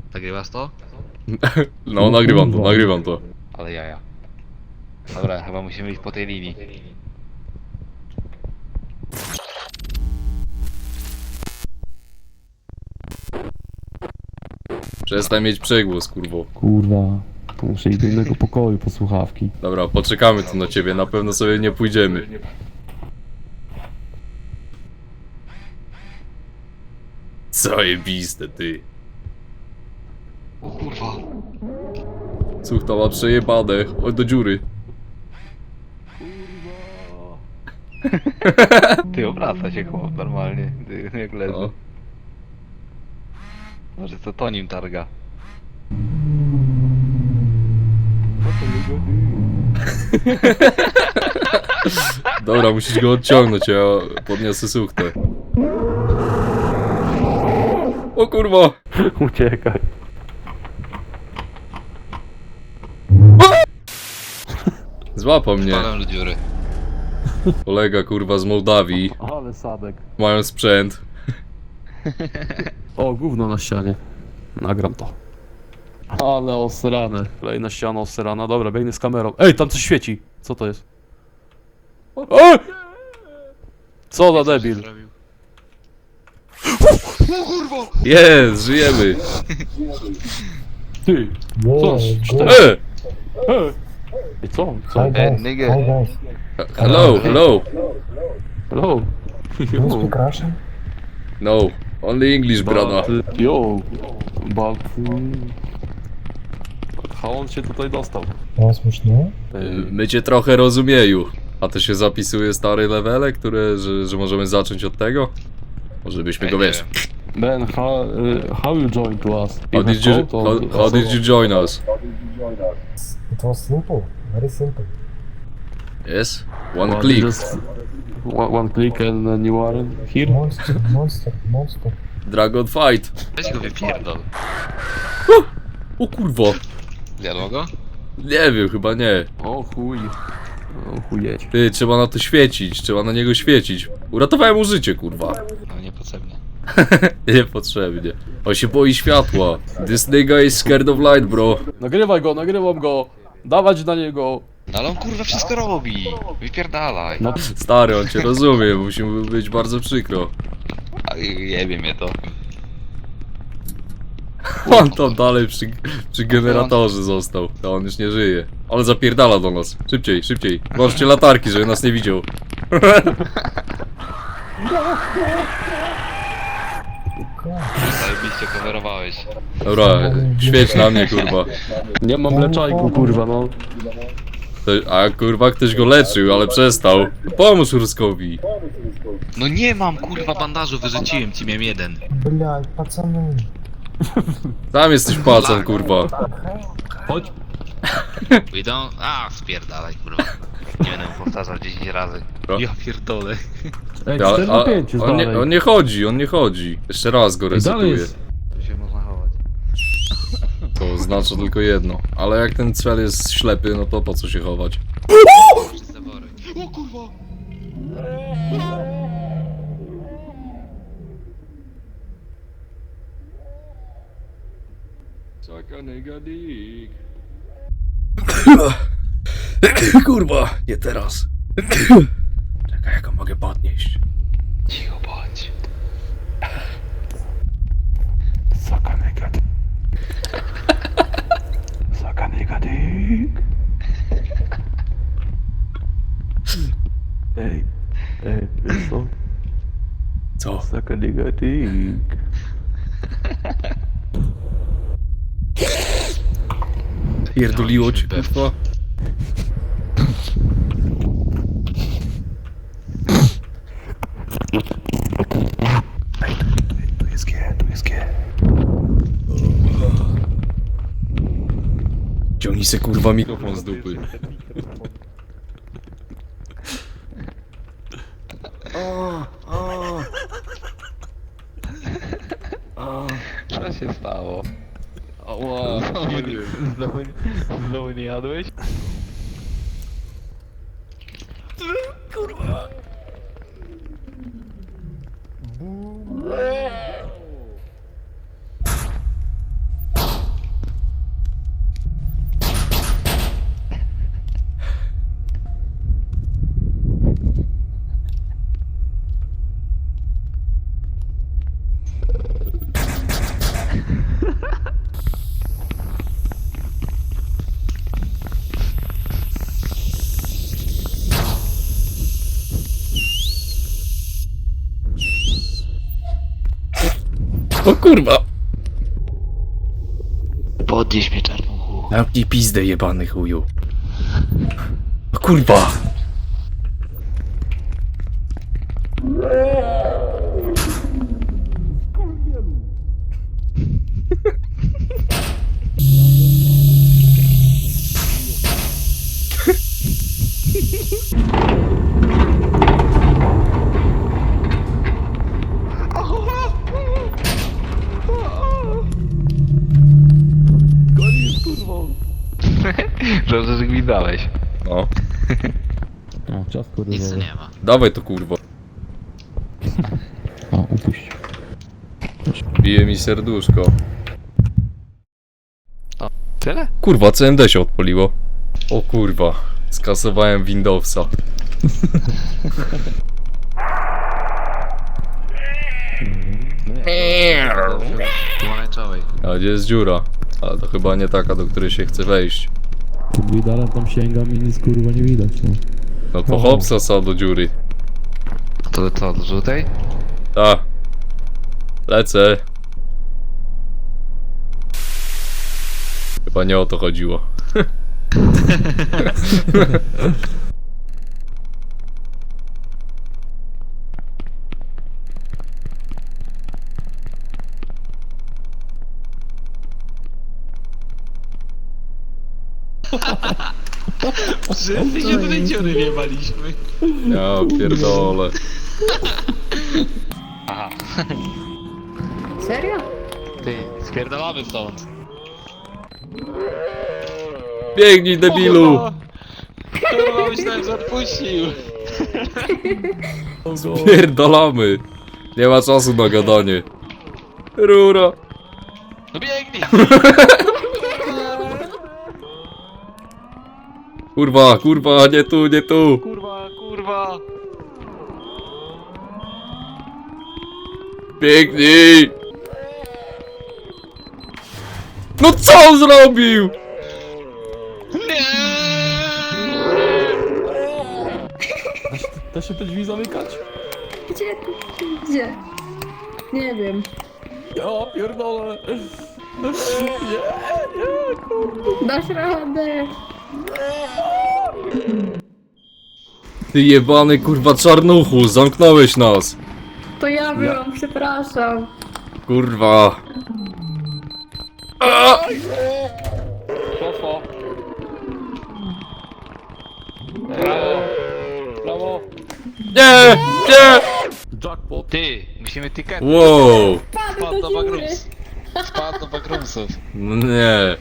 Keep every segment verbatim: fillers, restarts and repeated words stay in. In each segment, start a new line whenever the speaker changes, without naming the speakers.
Nagrywasz to?
No, nagrywam to, nagrywam to.
Ale jaja. Dobra, chyba musimy iść po tej linii.
Przestań mieć przegłos, kurwo.
Kurwa, to muszę iść do innego pokoju po słuchawki.
Dobra, poczekamy tu na ciebie, na pewno sobie nie pójdziemy. Zajebiste, ty.
O kurwa.
Słuch, to ma przejebane. Chodź do dziury.
Ty obraca się chłop normalnie, ty, jak leży.
No.
Może co to nim targa.
Dobra, musisz go odciągnąć, ja podniosę suchtę. O kurwa!
Uciekaj.
Złapał mnie.
Wpadłem do dziury.
Kolega, kurwa, z Mołdawii.
Ale sadek.
Mają sprzęt.
O, gówno na ścianie. Nagram to. Ale osrane. Kolejna ściana osrana. Dobra, biegnę z kamerą. Ej, tam coś świeci. Co to jest? Ej! Co za debil.
Jest, żyjemy.
Ty, co? Cztery.
E!
Ej! I co? Co?
Hi
Ej,
guys,
nigga.
hi guys.
Hello, hello.
Hello.
Do you speak Russian?
No, only English, brada.
But, yo, but... mm, How on się tutaj dostał?
No, смешно.
Ej,
My cię trochę rozumieju. A to się zapisuje stare levele, które, że, że możemy zacząć od tego? Może byśmy
Ej,
go,
nie
wiesz...
Ben, how, uh, how you joined to us?
How did you, how, how did you join us?
It was simple, very simple.
Yes? One
Well,
click.
Just one, one click and then you are here?
Monster, monster, monster.
Dragon fight.
Weź go wypierdol.
O kurwa.
Zjadło go?
Nie wiem, chyba nie.
O chuj. O chujeć.
Ty, trzeba na to świecić, trzeba na niego świecić. Uratowałem mu życie, kurwa.
No niepotrzebnie.
Niepotrzebnie. On się boi światła. This nigga is scared of light, bro.
Nagrywaj go, nagrywam go. Dawać na niego.
No ale on kurwa wszystko robi. Wypierdalaj.
No,
Stary, on cię rozumie, musi mu być bardzo przykro.
A jebie mnie to.
On tam dalej przy, przy generatorze został, a on już nie żyje. Ale zapierdala do nas. Szybciej, szybciej. Włączcie latarki, żeby nas nie widział.
Zajebiście coverowałeś.
Dobra, świeć na mnie, kurwa.
nie mam leczajku, kurwa, no.
To- A kurwa, ktoś go leczył, ale przestał. Pomóż Ruskowi.
No nie mam kurwa bandażu, wyrzuciłem ci, miałem jeden.
Блядь, пацаны.
Tam jesteś pacan, kurwa.
Chodź.
Idą? A, spierdalaj kurwa. Nie będę powtarzał dziesięć razy.
Co?
Ja pierdolę.
Ej,
Ale,
cztery na pięć
a,
jest
on, nie,
dalej.
on nie chodzi, on nie chodzi. Jeszcze raz go
Ej, dalej
resetuję.
jest.
Tu się można chować.
To znaczy tylko jedno. Ale jak ten cel jest ślepy, no to po co się chować?
Przez zawory. O kurwa!
Kurwa, nie teraz. Czekaj, jak go mogę podnieść.
Cicho bądź.
Suck a nigga dick. Suck a nigga dick. Ej, ej, wiesz co?
Co?
Suck a nigga dick.
Pierdoliło ci, kurwa?
Tu jest G, tu jest G.
Ciągnij se, kurwa, mikrofon z dupy.
Co się stało?
Ała,
Znowu, znowu nie jadłeś? Kurwa.
kurwa!
Podnieś mnie czarnuchu.
Zamknij pizdę, jebany chuju. O kurwa!
Gonisz, kurwą.
Dobrze, że gwidałeś.
No,
No, czas kurwa.
Nic tu nie ma.
dawaj to kurwa.
O, upuść.
Bije mi serduszko.
Tyle?
Kurwa, C M D się odpaliło. O kurwa, skasowałem Windowsa.
Pomarańczowej.
A gdzie jest dziura? Ale to chyba nie taka, do której się chce wejść.
Widalem tam sięgam i nic kurwa nie widać, no.
No to
O.
hopsa sa do dziury.
To co, do żółtej?
Ta. Lecę. Chyba nie o to chodziło.
Wszyscy się do tej dziury wjebaliśmy.
Ja pierdolę.
Aha.
Serio?
Ty, spierdolamy stąd.
Biegnij, debilu!
Kurwa, myślałem, że odpuścił.
Pierdolamy. Nie ma czasu na gadanie. Rura.
No biegnij!
Kurwa, kurwa, nie tu, nie tu.
Kurwa, kurwa.
Biegnij! No co on zrobił?
Nie!
Da się te drzwi zamykać?
Gdzie? Gdzie? Nie wiem.
Ja pierdolę. Nie, nie, kurwa.
Dasz radę.
Ty jebany kurwa czarnuchu, zamknąłeś nas.
To ja byłam, przepraszam.
Kurwa. A!
Poszło. Brawo. Brawo.
Nie, nie.
Jackpot.
Ty, musimy ticket.
Wow.
Wpadł do bagrums. Wpadł do bagrumsów.
No nie.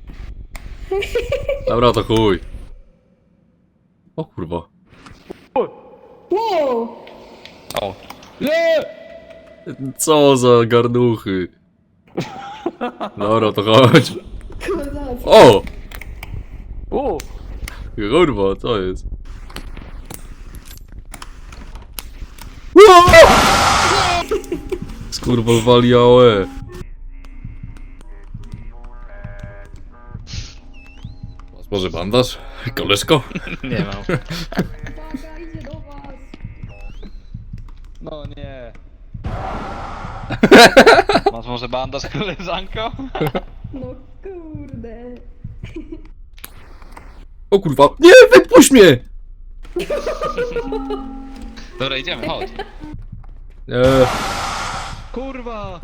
Dobra, to chuj. O kurwa.
Wow!
O.
Nie!
Co za garnuchy. Dobra, to chodź. O!
O!
Kurwa, co jest? Skurwowali A O E. Masz może bandaż? Koleżko?
Nie mam.
Uwaga, idzie do was.
No nie. Masz może bandaż, koleżanko?
No kurde.
O kurwa. Nie, wypuść mnie!
Dobra, idziemy, chodź.
Nie.
Kurwa!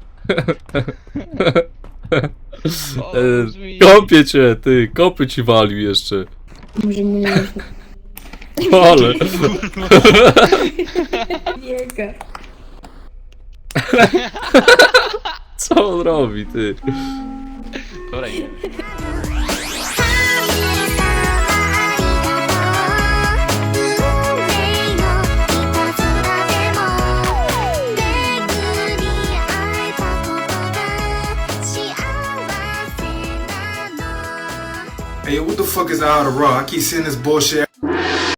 E, kopię cię, ty. Kopy ci walił jeszcze.
Może mnie nie
Ale.
biega.
Co on robi, ty?
Dobra, idziemy.
Hey, yo, what the fuck is out of raw? I keep seeing this bullshit